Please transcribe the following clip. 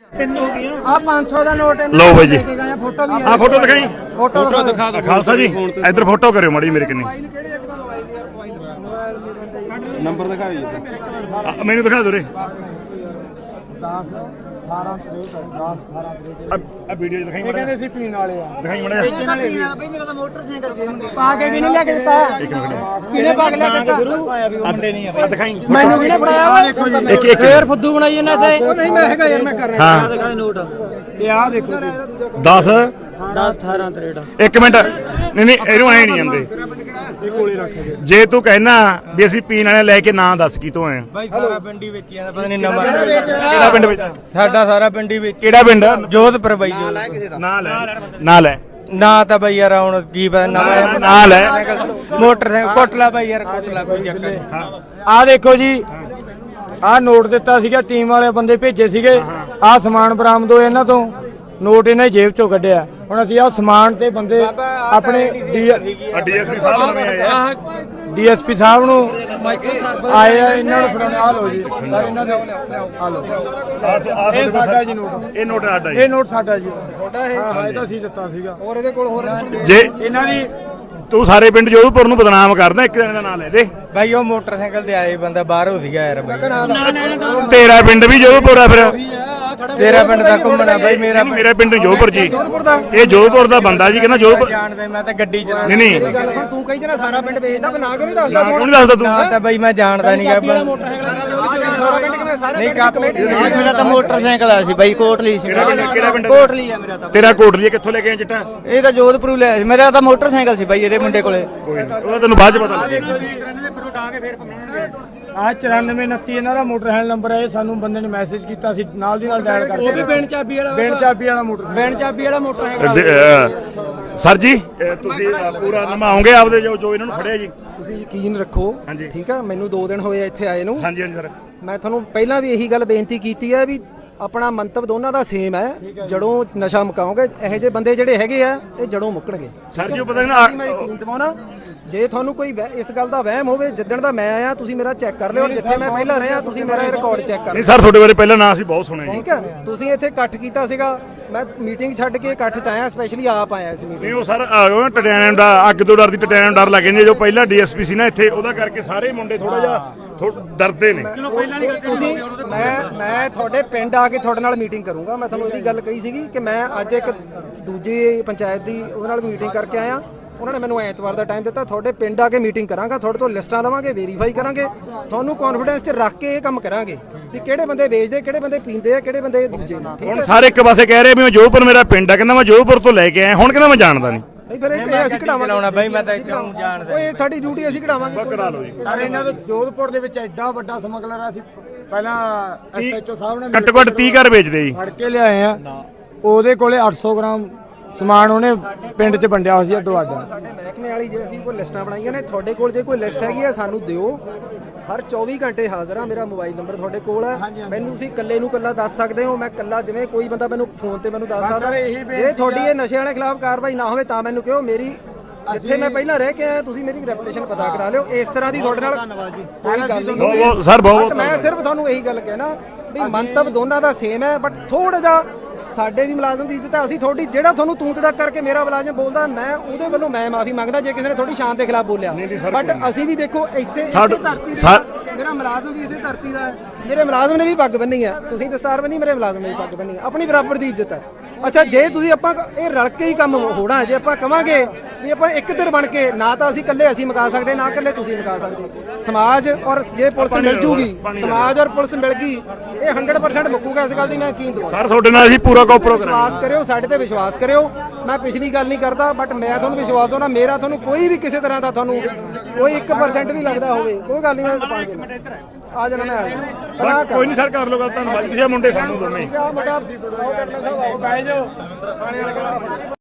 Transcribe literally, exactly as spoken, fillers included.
ਆ पाँच सौ ਦਾ ਨੋਟ लो भाई जी ਫੋਟੋ ਵੀ हाँ फोटो दिखाई ਫੋਟੋ ਦਿਖਾ दिखा खालसा जी इधर फोटो करो माड़ी मेरे किन्नी नंबर दिखा मैनू दिखा दो रे अब वीडियो दिखाई माड़ा ਕਹਿੰਦੇ ਸੀ ਪੀਣ ਵਾਲੇ ਆ दिखाई माड़ा ਬਈ ਮੇਰਾ ਤਾਂ ਮੋਟਰਸਾਈਕਲ ਸੀ ਪਾ ਕੇ ਕਿਹਨੇ ਲਿਆ ਕੇ ਦਿੱਤਾ ਕਿਹਨੇ ਪਾ ਕੇ ਲਿਆ ਕੇ ਦਿੱਤਾ मुंडे नहीं है दिखाई ਮੈਨੂੰ ਕਿਹਨੇ ਫੜਾਇਆ एक एक ਫੇਰ ਫੁੱਦੂ ਬਣਾਈ ਜਾਂਦਾ ਇੱਥੇ ਨਹੀਂ ਮੈਂ ਹੈਗਾ ਯਾਰ ਮੈਂ ਕਰ ਰਿਹਾ हाँ दिखा नोट ਇਹ ਆ ਦੇਖੋ दस दस अठारह ਤਰੇੜਾ एक मिनट नहीं नहीं ਇਹਨੂੰ ਐ ਨਹੀਂ ਆਂਦੇ ਇਹ ਕੋਲੇ ਰੱਖ ਦੇ ਜੇ ਤੂੰ ਕਹਿਣਾ ਵੀ ਅਸੀਂ ਪੀਣ ਵਾਲੇ ਲੈ ਕੇ ਨਾਂ ਦੱਸ ਕੀ ਤੋਂ ਆਏ ਆ भाई सारा पिंडी बेची ਜਾਂਦਾ ਪਤਾ ਨਹੀਂ ਨੰਬਰ ਕਿਹੜਾ ਪਿੰਡ ਵਿੱਚ ਸਾਡਾ ਸਾਰਾ ਪਿੰਡੀ ਵੇਚ ਕਿਹੜਾ ਪਿੰਡ ਜੋਧਪੁਰ ਬਾਈ ਜੋ ਨਾਂ ਲੈ ਨਾਂ ਲੈ ਨਾ ਤਾਂ ਬਈ ਯਾਰ ਹੁਣ ਕੀ ਪਤਾ ਨਵਾਂ ਨਾਂ ਲੈ ਮੋਟਰਸਾਈਕਲ ਕੋਟਲਾ ਬਈ ਯਾਰ ਕੋਟਲਾ ਕੋਈ ਚੱਕਰ ਆ ਦੇਖੋ ਜੀ ਆ ਨੋਟ ਦਿੱਤਾ ਸੀਗਾ ਟੀਮ ਵਾਲੇ ਬੰਦੇ ਭੇਜੇ ਸੀਗੇ ਆ ਸਮਾਨ ਬਰਾਮਦ ਹੋਇਆ ਇਹਨਾਂ ਤੋਂ ਨੋਟ ਇਹਨਾਂ ਜੇਬ ਚੋਂ ਕੱਢਿਆ ਹੁਣ ਅਸੀਂ ਆ ਸਮਾਨ ਤੇ ਬੰਦੇ ਆਪਣੇ ਡੀਐਸਪੀ ਸਾਹਿਬ ਨਵੇਂ ਆਏ ਆ ਡੀਐਸਪੀ ਸਾਹਿਬ ਨੂੰ ਆਏ ਆ ਇਹਨਾਂ ਨੂੰ ਫੜਾਉਣਾ ਆ ਲਓ ਜੀ ਸਰ ਇਹਨਾਂ ਦੇ ਆ ਲਓ ਇਹ ਸਾਡਾ ਜੀ ਨੋਟ ਇਹ ਨੋਟ ਸਾਡਾ ਜੀ ਇਹ ਨੋਟ ਸਾਡਾ ਜੀ ਛੋਟਾ ਇਹ ਹਾਂ ਹਾਂ ਇਹਦਾ ਅਸੀਂ ਦਿੱਤਾ ਸੀਗਾ ਹੋਰ ਇਹਦੇ ਕੋਲ ਹੋਰ ਜੇ ਇਹਨਾਂ ਦੀ ਤੂੰ ਸਾਰੇ ਪਿੰਡ ਜੋਧਪੁਰ ਨੂੰ ਬਦਨਾਮ ਕਰਦਾ ਇੱਕ ਜਣੇ ਦਾ ਨਾਂ ਲੈ ਦੇ ਬਾਈ ਉਹ ਮੋਟਰਸਾਈਕਲ ਤੇ ਆਏ ਬੰਦਾ ਬਾਹਰੋਂ ਸੀਗਾ ਯਾਰ ਬਾਈ ਤੇਰਾ ਪਿੰਡ ਵੀ ਜੋਧਪੁਰ ਆ ਫਿਰ ਤੇਰਾ ਪਿੰਡ ਦਾ ਘੁੰਮਣਾ ਬਾਈ ਮੇਰਾ ਮੇਰਾ ਪਿੰਡ ਜੋਧਪੁਰ ਜੀ ਜੋਧਪੁਰ ਦਾ ਇਹ ਜੋਧਪੁਰ ਦਾ ਬੰਦਾ ਜੀ ਕਹਿੰਦਾ ਜੋਧਪੁਰ ਜਾਣਦਾ ਮੈਂ ਤਾਂ ਗੱਡੀ ਚਲਾ ਨਹੀਂ ਨਹੀਂ ਗੱਲ ਸੁਣ ਤੂੰ ਕਹੀ ਜਣਾ ਸਾਰਾ ਪਿੰਡ ਵੇਚਦਾ ਮੈਂ ਨਾ ਕਿਉਂ ਨਹੀਂ ਦੱਸਦਾ ਕਿਉਂ ਨਹੀਂ ਦੱਸਦਾ ਤੂੰ ਨਾ ਤਾਂ ਬਾਈ ਮੈਂ ਜਾਣਦਾ ਨਹੀਂ ਗਾ ਸਾਰਾ ਪਿੰਡ ਕਿਵੇਂ ਸਾਰੇ ਨਹੀਂ ਪਿੰਡ ਕਮੇਟੀ ਮੇਰਾ ਤਾਂ ਮੋਟਰਸਾਈਕਲ ਆ ਸੀ ਬਾਈ ਕੋਟਲੀ ਸੀ ਕਿਹੜਾ ਪਿੰਡ ਕਿਹੜਾ ਪਿੰਡ ਕੋਟਲੀ ਆ ਮੇਰਾ ਤਾਂ ਤੇਰਾ ਕੋਟਲੀ ਕਿੱਥੋਂ ਲੈ ਕੇ ਆਇਆ ਚਿੱਟਾ ਇਹ ਤਾਂ ਜੋਧਪੁਰ ਲਿਆ ਸੀ ਮੇਰਾ ਤਾਂ ਮੋਟਰਸਾਈਕਲ ਸੀ ਬਾਈ ਇਹਦੇ ਮੁੰਡੇ ਕੋਲੇ ਕੋਈ ਨਹੀਂ ਉਹਦਾ ਤੈਨੂੰ ਬਾਅਦ ਚ ਪਤਾ ਲੱਗੇਗਾ ਆ ਚੁਰਾਨਵੇਂ ਉਨੱਤੀ ਇਹਨਾਂ ਦਾ ਮੋਟਰਸਾਈਕਲ ਨੰਬਰ ਹੈ ਇਹ ਸਾਨੂੰ ਬੰਦੇ ਨੇ ਮੈਸੇਜ ਕੀਤਾ ਸੀ ਨਾਲ ਦੀ ਨਾਲ ਡਾਇਲ ਕਰਕੇ ਉਹ ਵੀ ਬਿਨ ਚਾਬੀ ਵਾਲਾ ਬਿਨ ਚਾਬੀ ਵਾਲਾ ਮੋਟਰ ਬਿਨ ਚਾਬੀ ਵਾਲਾ ਮੋਟਰਸਾਈਕਲ ਸਰ ਜੀ ਇਹ ਤੁਸੀਂ ਪੂਰਾ ਨਿਭਾਓਗੇ ਆਪਦੇ ਜੋ ਜੋ ਇਹਨਾਂ ਨੂੰ ਫੜਿਆ ਜੀ ਤੁਸੀਂ ਯਕੀਨ ਰੱਖੋ ਹਾਂਜੀ। ਠੀਕ ਆ ਮੈਨੂੰ ਦੋ ਦਿਨ ਹੋਏ ਆ ਇੱਥੇ ਆਏ ਨੂੰ ਹਾਂਜੀ ਹਾਂਜੀ ਸਰ ਮੈਂ ਤੁਹਾਨੂੰ ਪਹਿਲਾਂ ਵੀ ਇਹੀ ਗੱਲ ਬੇਨਤੀ ਕੀਤੀ ਹੈ ਵੀ ਆਪਣਾ ਮੰਤਵ ਦੋਨਾਂ ਦਾ ਸੇਮ ਹੈ ਜੜੋਂ ਨਸ਼ਾ ਮੁਕਾਓਗੇ ਇਹੋ ਜਿਹੇ ਬੰਦੇ ਜਿਹੜੇ ਹੈਗੇ ਆ ਇਹ ਜੜੋਂ ਮੁੱਕਣਗੇ ਸਰ ਜੀ ਉਹ ਪਤਾ ਨਾ ਮੈਂ ਯਕੀਨ ਦਿਵਾਉਣਾ ਜੇ ਤੁਹਾਨੂੰ ਕੋਈ ਵਹਿ- ਇਸ ਗੱਲ ਦਾ ਵਹਿਮ ਹੋਵੇ ਜਿੱਦਣ ਦਾ ਮੈਂ ਆਇਆ ਤੁਸੀਂ ਮੇਰਾ ਚੈੱਕ ਕਰ ਲਿਓ ਜਿੱਥੇ ਮੈਂ ਪਹਿਲਾਂ ਰਿਹਾ ਤੁਸੀਂ ਮੇਰਾ ਇਹ ਰਿਕਾਰਡ ਚੈੱਕ ਕਰ ਨਹੀਂ ਲਿਓ ਸਰ ਤੁਹਾਡੇ ਬਾਰੇ ਪਹਿਲਾਂ ਨਾਂ ਅਸੀਂ ਬਹੁਤ ਸੁਣਿਆ ਜੀ ਠੀਕ ਹੈ ਤੁਸੀਂ ਇੱਥੇ ਇਕੱਠ ਕੀਤਾ ਸੀਗਾ ਮੈਂ ਮੀਟਿੰਗ ਛੱਡ ਕੇ ਇਕੱਠ ਚ ਆਇਆ ਸਪੈਸ਼ਲੀ ਆਪ ਆਇਆ ਇਸ ਮੀਟਿੰਗ ਨਹੀਂ ਉਹ ਸਰ ਟਟਿਆਣੇ ਦਾ ਅੱਗ ਤੋਂ ਡਰਦੀ ਟਟਿਆਣੇ ਨੂੰ ਡਰ ਲੱਗ ਜਾਂਦੀ ਜੋ ਪਹਿਲਾਂ ਡੀਐਸਪੀ ਸੀ ਨਾ ਇੱਥੇ ਉਹਦਾ ਕਰਕੇ ਸਾਰੇ ਮੁੰਡੇ ਥੋੜਾ ਜਿਹਾ ਡਰਦੇ ਨੇ ਤੁਸੀਂ ਮੈਂ ਮੈਂ ਤੁਹਾਡੇ ਪਿੰਡ ਆ ਕੇ ਤੁਹਾਡੇ ਨਾਲ ਮੀਟਿੰਗ ਕਰੂੰਗਾ ਮੈਂ ਤੁਹਾਨੂੰ ਇਹਦੀ ਗੱਲ ਕਹੀ ਸੀਗੀ ਕਿ ਮੈਂ ਅੱਜ ਇੱਕ ਦੂਜੀ ਪੰਚਾਇਤ ਦੀ ਉਹਦੇ ਨਾਲ ਮੀਟਿੰਗ ਕਰਕੇ ਆਇਆ ਉਹਨਾਂ ਨੇ ਮੈਨੂੰ ਐਤਵਾਰ ਦਾ ਟਾਈਮ ਦਿੱਤਾ ਤੁਹਾਡੇ ਪਿੰਡ ਆ ਕੇ ਮੀਟਿੰਗ ਕਰਾਂਗਾ ਤੁਹਾਡੇ ਤੋਂ ਲਿਸਟਾਂ ਲਵਾਂਗੇ ਵੈਰੀਫਾਈ ਕਰਾਂਗੇ ਤੁਹਾਨੂੰ ਕੌਨਫੀਡੈਂਸ 'ਚ ਰੱਖ ਕੇ ਇਹ ਕੰਮ ਕਰਾਂਗੇ ਵੀ ਕਿਹੜੇ ਬੰਦੇ ਵੇਚਦੇ ਕਿਹੜੇ ਬੰਦੇ ਪੀਂਦੇ ਆ ਕਿਹੜੇ ਬੰਦੇ ਦੂਜੇ ਨੇ ਠੀਕ ਹੁਣ ਹੈ ਸਾਰੇ ਇੱਕ ਪਾਸੇ ਕਹਿ ਰਹੇ ਵੀ ਮੈਂ ਜੋਧਪੁਰ ਮੇਰਾ ਪਿੰਡ ਆ ਕਹਿੰਦਾ ਮੈਂ ਜੋਧਪੁਰ ਤੋਂ ਲੈ ਕੇ ਆਇਆ ਹੁਣ ਕਹਿੰਦਾ ਮੈਂ ਜਾਣਦਾ ਨਹੀਂ ਨਹੀਂ ਫਿਰ ਇਹ ਅਸੀਂ ਕਢਾਵਾਂਗੇ ਚਲਾਉਣਾ ਬਾਈ ਮੈਂ ਤਾਂ ਇੱਕਦਮ ਜਾਣਦਾ ਓਏ ਸਾਡੀ ਡਿਊਟੀ ਅਸੀਂ ਕਢਾਵਾਂਗੇ ਕਰਾ ਲਓ ਜੀ ਸਰ ਇਹਨਾਂ ਦਾ ਜੋਧਪੁਰ ਦੇ ਵਿੱਚ ਐਡਾ ਵੱਡਾ ਸਮਗਲਰ ਆ ਸੀ ਪਹਿਲਾਂ ਐਸਐਚਓ ਸਾਹਿਬ ਨੇ ਘੱਟੋ ਘੱਟ ਤੀਹ ਘਰ ਵੇਚਦੇ ਜੀ ਫੜ ਕੇ ਲਿਆਏ ਆ ਉਹਦੇ ਕੋਲੇ ਅੱਠ ਸੌ ਗ੍ਰਾਮ ਸਮਾਨ ਉਹਨੇ ਪਿੰਡ 'ਚ ਵੰਡਿਆ ਹੋਇਆ ਸੀ ਅੱਡੋ ਅੱਡ ਸਾਡੇ ਮਹਿਕਮੇ ਵਾਲੀ ਜੇ ਅਸੀਂ ਕੋਈ ਲਿਸਟਾਂ ਬਣਾਈਆਂ ਨੇ ਤੁਹਾਡੇ ਕੋਲ ਜੇ ਕੋਈ ਲਿਸਟ ਹੈਗੀ ਆ ਸਾਨੂੰ ਦਿਓ ਹਰ ਚੌਵੀ ਘੰਟੇ ਹਾਜ਼ਰ ਆ ਮੇਰਾ ਮੋਬਾਈਲ ਨੰਬਰ ਤੁਹਾਡੇ ਕੋਲ ਹੈ ਮੈਨੂੰ ਤੁਸੀਂ ਇਕੱਲੇ ਨੂੰ ਇਕੱਲਾ ਦੱਸ ਸਕਦੇ ਹੋ ਮੈਂ ਇਕੱਲਾ ਜਿਵੇਂ ਕੋਈ ਬੰਦਾ ਮੈਨੂੰ ਫੋਨ ਤੇ ਮੈਨੂੰ ਦੱਸ ਸਕਦਾ ਜੇ ਤੁਹਾਡੀ ਇਹ ਨਸ਼ੇ ਵਾਲੇ ਖਿਲਾਫ ਕਾਰਵਾਈ ਨਾ ਹੋਵੇ ਤਾਂ ਮੈਨੂੰ ਕਿਹੋ ਮੇਰੀ ਜਿੱਥੇ ਮੈਂ ਪਹਿਲਾਂ ਰਹਿ ਕੇ ਆਇਆ ਤੁਸੀਂ ਮੇਰੀ ਰੈਪੂਟੇਸ਼ਨ ਪਤਾ ਕਰਾ ਲਿਓ ਇਸ ਤਰ੍ਹਾਂ ਦੀ ਤੁਹਾਡੇ ਨਾਲ ਕੋਈ ਗੱਲ ਨਹੀਂ ਬਹੁਤ ਬਹੁਤ ਸਰ ਬਹੁਤ But ਮੈਂ ਸਿਰਫ ਤੁਹਾਨੂੰ ਇਹੀ ਗੱਲ ਕਹਿਣਾ ਵੀ ਮੰਤਵ ਦੋਨਾਂ ਦਾ ਸੇਮ ਹੈ ਬਟ ਥੋੜਾ ਜਿਹਾ ਸਾਡੇ ਵੀ ਮੁਲਾਜ਼ਮ ਦੀ ਇੱਜ਼ਤ ਹੈ ਅਸੀਂ ਤੁਹਾਡੀ ਜਿਹੜਾ ਤੁਹਾਨੂੰ ਤੂੰ ਤੜਕ ਕਰਕੇ ਮੇਰਾ ਮੁਲਾਜ਼ਮ ਬੋਲਦਾ ਮੈਂ ਉਹਦੇ ਵੱਲੋਂ ਮੈਂ ਮਾਫੀ ਮੰਗਦਾ ਜੇ ਕਿਸੇ ਨੇ ਤੁਹਾਡੀ ਸ਼ਾਨ ਦੇ ਖਿਲਾਫ ਬੋਲਿਆ ਬਟ ਅਸੀਂ ਵੀ ਦੇਖੋ ਇਸੇ ਇਸੇ ਧਰਤੀ ਦੇ ਮੇਰਾ ਮੁਲਾਜ਼ਮ ਵੀ ਇਸੇ ਧਰਤੀ ਦਾ ਹੈ ਮੇਰੇ ਮੁਲਾਜ਼ਮ ਨੇ ਵੀ ਪੱਗ ਬੰਨੀ ਹੈ ਤੁਸੀਂ ਦਸਤਾਰ ਬੰਨੀ ਮੇਰੇ ਮੁਲਾਜ਼ਮ ਨੇ ਵੀ ਪੱਗ ਬੰਨੀ ਹੈ ਆਪਣੀ ਬਰਾਬਰ ਦੀ ਇੱਜ਼ਤ ਹੈ ਅੱਛਾ ਜੇ ਤੁਸੀਂ ਆਪਾਂ ਇਹ ਰਲ ਕੇ ਹੀ ਕੰਮ ਹੋਣਾ ਜੇ ਆਪਾਂ ਕਵਾਂਗੇ ਵੀ ਆਪਾਂ ਇੱਕ ਧਿਰ ਬਣ ਕੇ ਨਾ ਤਾਂ ਅਸੀਂ ਇਕੱਲੇ ਅਸੀਂ ਮੁਕਾ ਸਕਦੇ ਨਾ ਇਕੱਲੇ ਤੁਸੀਂ ਮੁਕਾ ਸਕਦੇ ਸਮਾਜ ਔਰ ਜੇ ਪੁਲਿਸ ਮਿਲ ਜੂਗੀ ਸਮਾਜ ਔਰ ਪੁਲਿਸ ਮਿਲ ਗਈ ਇਹ ਹੰਡਰਡ ਪਰਸੈਂਟ ਮੁੱਕੂਗਾ ਇਸ ਗੱਲ ਦੀ ਮੈਂ ਯਕੀਨ ਦਵਾਂ ਸਰ ਤੁਹਾਡੇ ਨਾਲ ਅਸੀਂ ਪੂਰਾ ਕੋਪਰੋ ਵਿਸ਼ਵਾਸ ਕਰਿਓ ਸਾਡੇ ਤੇ ਵਿਸ਼ਵਾਸ ਕਰਿਓ ਮੈਂ ਪਿਛਲੀ ਗੱਲ ਨਹੀਂ ਕਰਦਾ ਬਟ ਮੈਂ ਤੁਹਾਨੂੰ ਵਿਸ਼ਵਾਸ ਦਵਾਂ ਮੇਰਾ ਤੁਹਾਨੂੰ ਕੋਈ ਵੀ ਕਿਸੇ ਤਰ੍ਹਾਂ ਦਾ ਤੁਹਾਨੂੰ ਕੋਈ ਇੱਕ ਪਰਸੈਂਟ ਵੀ ਲੱਗਦਾ ਹੋਵੇ ਕੋਈ ਗੱਲ ਨਹੀਂ ਮੈਂ ਆ ਜਾਣਾ ਮੈਂ ਆ ਜਾਣਾ ਕੋਈ ਨਹੀਂ ਸਰ ਕਰ ਲਓ ਗੱਲ ਧੰਨਵਾਦ ਤੁਸੀਂ ਮੁੰਡੇ ਸਾਨੂੰ ਦੋਨੇ ਮੁੰਡਾ ਉਹ ਕਰਨਾ ਸਾਹਿਬ ਆਓ ਬਹਿ ਜਾਓ ਥਾਣੇ ਵਾਲੇ